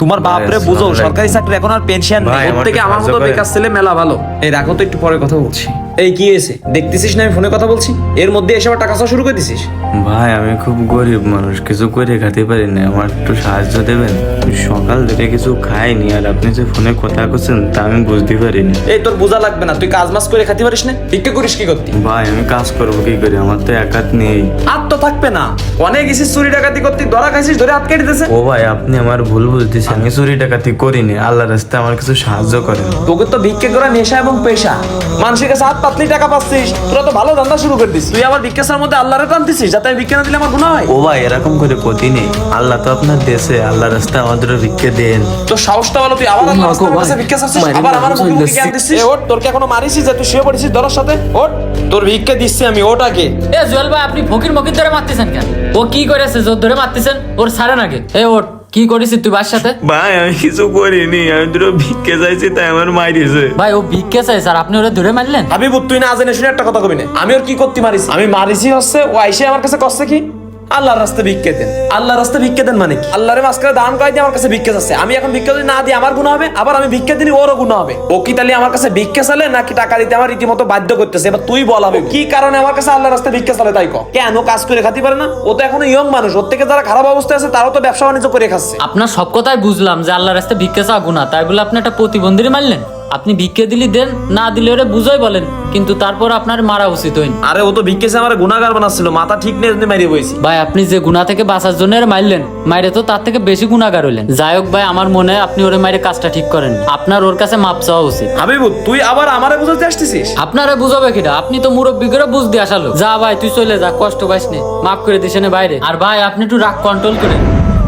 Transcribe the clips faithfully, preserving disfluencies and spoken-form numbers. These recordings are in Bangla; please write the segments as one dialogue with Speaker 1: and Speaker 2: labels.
Speaker 1: তোমার বাপরে বুঝো, সরকারি চাকরি এখন আর পেনশন নেই, ওর থেকে আমার মতো বেকার ছেলে মেলা ভালো। এই রাখো তো, একটু পরে কথা বলছি। এই কি হয়েছে দেখতেছিস না আমি ফোনে কথা বলছি, এর মধ্যে এসে আবার টাকা চাওয়া শুরু করে দিছিস?
Speaker 2: ভাই আমি খুব গরিব মানুষ, কিছু করে খেতে পারি না, আমার একটু সাহায্য দেবেন? সকাল থেকে কিছু খাইনি, আর আপনি যে ফোনে কথা করছেন তা আমি বুঝতে পারিনি।
Speaker 1: এই তোর বোঝা লাগবে না, তুই কাজ মাস করে খেতে পারিস না, ভিক্ষা করিস কি করতি?
Speaker 2: ভাই আমি কাজ করবো কি করে, আমার তো এক হাত নেই।
Speaker 1: হাত তো থাকবে না, অনেক গেছিস চুরি ডাকাতি করতে, ধরা খাইছিস, ধরে হাত কেটে দিতেছে।
Speaker 2: ও ভাই আপনি আমার ভুল বুঝতেছেন, আমি চুরি ডাকাতি করিনি, আল্লাহ রাস্তায় আমার কিছু সাহায্য করেন।
Speaker 1: তোকে তো ভিক্ষা করা নেশা এবং পেশা, মানুষের কাছে হাত পাতলি টাকা পাচ্ছিস, তোরা তো ভালো ধান্দা শুরু করে দিস। তুই আবার ভিক্ষার মধ্যে আল্লাহরে টানতেছিস যাতে আমি ভিক্ষা না দিলে আমার গুনাহ হয়।
Speaker 2: ও ভাই এরকম করে ক্ষতি নেই, আল্লাহ তো আপনার দেশে, আল্লাহ রাস্তায় আমাদের ভিক্ষে দেন।
Speaker 1: তো সাহসটা বলো, তুই আবার আল্লাহর রাস্তার কাছে ভিক্ষা চাচ্ছিস, আবার আমার মুখে মুখে জ্ঞান দিচ্ছিস। এ ওঠ, তোর কি এখনো মারিছিস যে তুই শুয়ে পড়েছিস ধরার সাথে? ওঠ, তোর ভিক্ষা দিচ্ছি আমি, ওঠ আগে।
Speaker 3: এ জুয়েল ভাই, আপনি ফকির মকির ধরে মারতেছেন কেন? ও কি করেছে জোর ধরে মারতেছেন? ওর ছাড়েন আগে। এ ওঠ, কি করেছিস তুই বাস সাথে?
Speaker 2: ভাই আমি কিছু করিনি, আমি দুটো ভিক্ষে চাইছি তাই আমার মাইরেছে।
Speaker 3: ভাই ও ভিক্ষা চাই স্যার, আপনি ওরা ধরে মারলেন?
Speaker 1: হাবিবু তুই না জেনে শুনে একটা কথা কবি না, আমি ওর কি করতে মারিছি? আমি মারিছি হচ্ছে ও আইসে আমার কাছে কষ্ট কি আল্লাহর রাস্তায় ভিক্ষা দেন, আল্লাহর রাস্তায় ভিক্ষা দেন মানে কি? আল্লাহরে মাঝখানে দান করে দিয়ে আমার কাছে ভিক্ষা চাচ্ছে, আমি এখন ভিক্ষা যদি না দিই আমার গুনাহ হবে, আবার আমি ভিক্ষা দিলে ওরও গুনাহ হবে। ও কি তাহলে আমার কাছে ভিক্ষা চালে নাকি টাকা দিতে আমার রীতিমতো বাধ্য করতেছে? এবার তুই বল হবে কি কারণে আমার কাছে আল্লাহর রাস্তায় ভিক্ষা চালে তাই কর। কেন কাজ করে খাতে পারে না? ও তো এখনো ইয়ং মানুষ, ওর থেকে যারা খারাপ অবস্থায় আছে তারাও তো ব্যবসা বাণিজ্য করে খাচ্ছে।
Speaker 3: আপনার সব কথাই বুঝলাম যে আল্লাহর রাস্তায় ভিক্ষা চাওয়া গুনাহ, তাই বলে আপনি একটা প্রতিবন্ধী মারলেন? আপনি ভিক্ষা দিলি দেন, না দিলে ওরে বুঝাই বলেন, কিন্তু তারপর আপনার মারা উচিত হয়নি।
Speaker 1: আরে ও তো ভিক্ষা চেয়ে আমার গুনাহগার বানাচ্ছিল, মাথা ঠিক নেই জন্য মারিয়ে বইছি।
Speaker 3: ভাই আপনি যে গুনাহ থেকে বাঁচার জন্য এর মারলেন, মাইরে তো তার থেকে বেশি গুনাহগার হলেন। যাই হোক ভাই, আমার মনে হয় আপনি ওরে মাইরে কাজটা ঠিক করেন, আপনার ওর কাছে মাপ চাওয়া উচিত।
Speaker 1: হাবিবু তুই আবার আমারে বুঝাতে আসতেছিস?
Speaker 3: আপনারা বুঝাবে কিনা? আপনি তো মুরব্বী করে বুঝ দিয়ে আসালো। যা ভাই তুই চলে যা, কষ্ট পাইস নে, মাফ করে দিস নে বাইরে। আর ভাই আপনি একটু রাগ কন্ট্রোল করেন।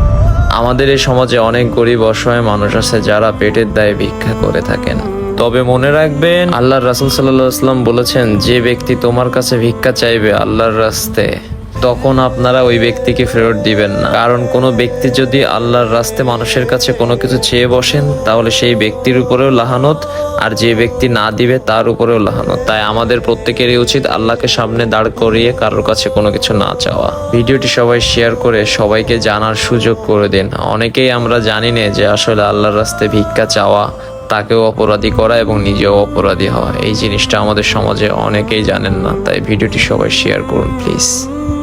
Speaker 4: আমাদের এই সমাজে অনেক গরিব অসহায় মানুষ আছে যারা পেটের দায়ে ভিক্ষা করে থাকেন। তবে মনে রাখবেন, আল্লাহর রাসূল সাল্লাল্লাহু আলাইহি ওয়াসাল্লাম বলেছেন, যে ব্যক্তি তোমার কাছে ভিক্ষা চাইবে আল্লাহর রাস্তায়, তখন আপনারা ওই ব্যক্তিকে ফেরত দিবেন না। কারণ কোনো ব্যক্তি যদি আল্লাহর রাস্তায় মানুষের কাছে কোনো কিছু চেয়ে বসেন, তাহলে সেই ব্যক্তির উপরেও লাহানত, আর যে ব্যক্তি না দিবে তার উপরেও লাহানত। তাই আমাদের প্রত্যেকেরই উচিত আল্লাহকে সামনে দাঁড় করিয়ে কারোর কাছে কোনো কিছু না চাওয়া। ভিডিওটি সবাই শেয়ার করে সবাইকে জানার সুযোগ করে দিন। অনেকেই আমরা জানি না যে আসলে আল্লাহর রাস্তায় ভিক্ষা চাওয়া তাকেও অপরাধী করা এবং নিজেও অপরাধী হওয়া, এই জিনিসটা আমাদের সমাজে অনেকেই জানেন না। তাই ভিডিওটি সবাই শেয়ার করুন প্লিজ।